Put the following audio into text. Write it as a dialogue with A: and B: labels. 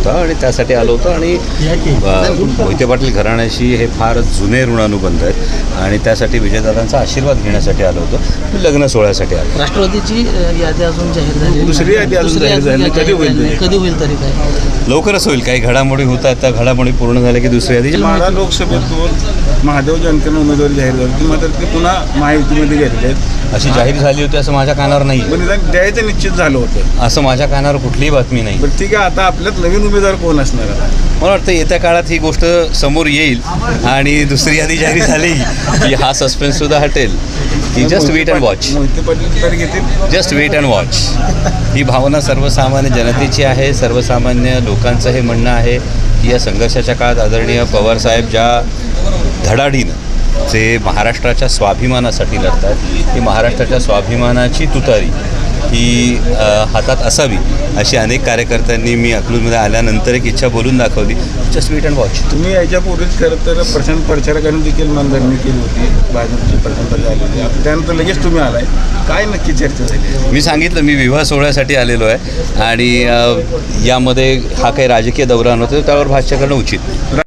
A: होता आणि त्यासाठी आलो होतो. आणि मोहिते पाटील घराण्याशी हे फार जुने ऋणानुबंध आहेत आणि त्यासाठी विजयदादांचा आशीर्वाद घेण्यासाठी आलो होतो. मी लग्न सोहळ्यासाठी आलो.
B: राष्ट्रवादीची यादी अजून जाहीर झाली,
C: दुसरी यादी अजून जाहीर झाली नाही.
B: कधी होईल तरी काय?
A: लवकरच होईल. काही घडामोडी होत आहेत, त्या घडामोडी पूर्ण झाल्या की दुसरी यादी.
C: माढा लोकसभेतून महादेव जानकर उमेदवारी जाहीर झाली, मात्र ते पुन्हा महायुतीमध्ये गेलेले आहेत.
A: अशी जाहीर झाली होती असं माझ्या कानावर नाही,
C: पण निदान द्यायचं निश्चित झालं होतं.
A: असं माझ्या कानावर कुठलीही बातमी नाही.
C: पण ठीक आहे, आता आपल्यात नवीन उमेदवार कोण असणार आता?
A: मला वाटतं येत्या काळात ही गोष्ट समोर येईल आणि दुसरी यादी जाहीर झाली की हा सस्पेन्ससुद्धा हटेल. की just wait and watch.
C: Mohite Patil तर घेतील.
A: Just wait and watch. ही भावना सर्वसामान्य जनतेची आहे. सर्वसामान्य लोकांचं हे म्हणणं आहे की या संघर्षाच्या काळात आदरणीय पवारसाहेब ज्या धडाडीनं जे महाराष्ट्राच्या स्वाभिमानासाठी लढतात, ही महाराष्ट्राच्या स्वाभिमानाची तुतारी ही हातात असावी अशी अनेक कार्यकर्त्यांनी मी अकलूजमध्ये आल्यानंतर एक इच्छा बोलून दाखवली. Just wait and watch.
C: तुम्ही याच्यापूर्वीच खरं तर प्रशांत प्रचारकांनी देखील मनधरणी केली होती, भाजपची प्रशांत झाली होती. आता त्यानंतर लगेच तुम्ही आलाय, काय नक्की चर्चा झाली?
A: मी सांगितलं मी विवाह सोहळ्यासाठी आलेलो आहे आणि यामध्ये हा काही राजकीय दौरा नव्हता, त्यावर भाष्य करणं उचित.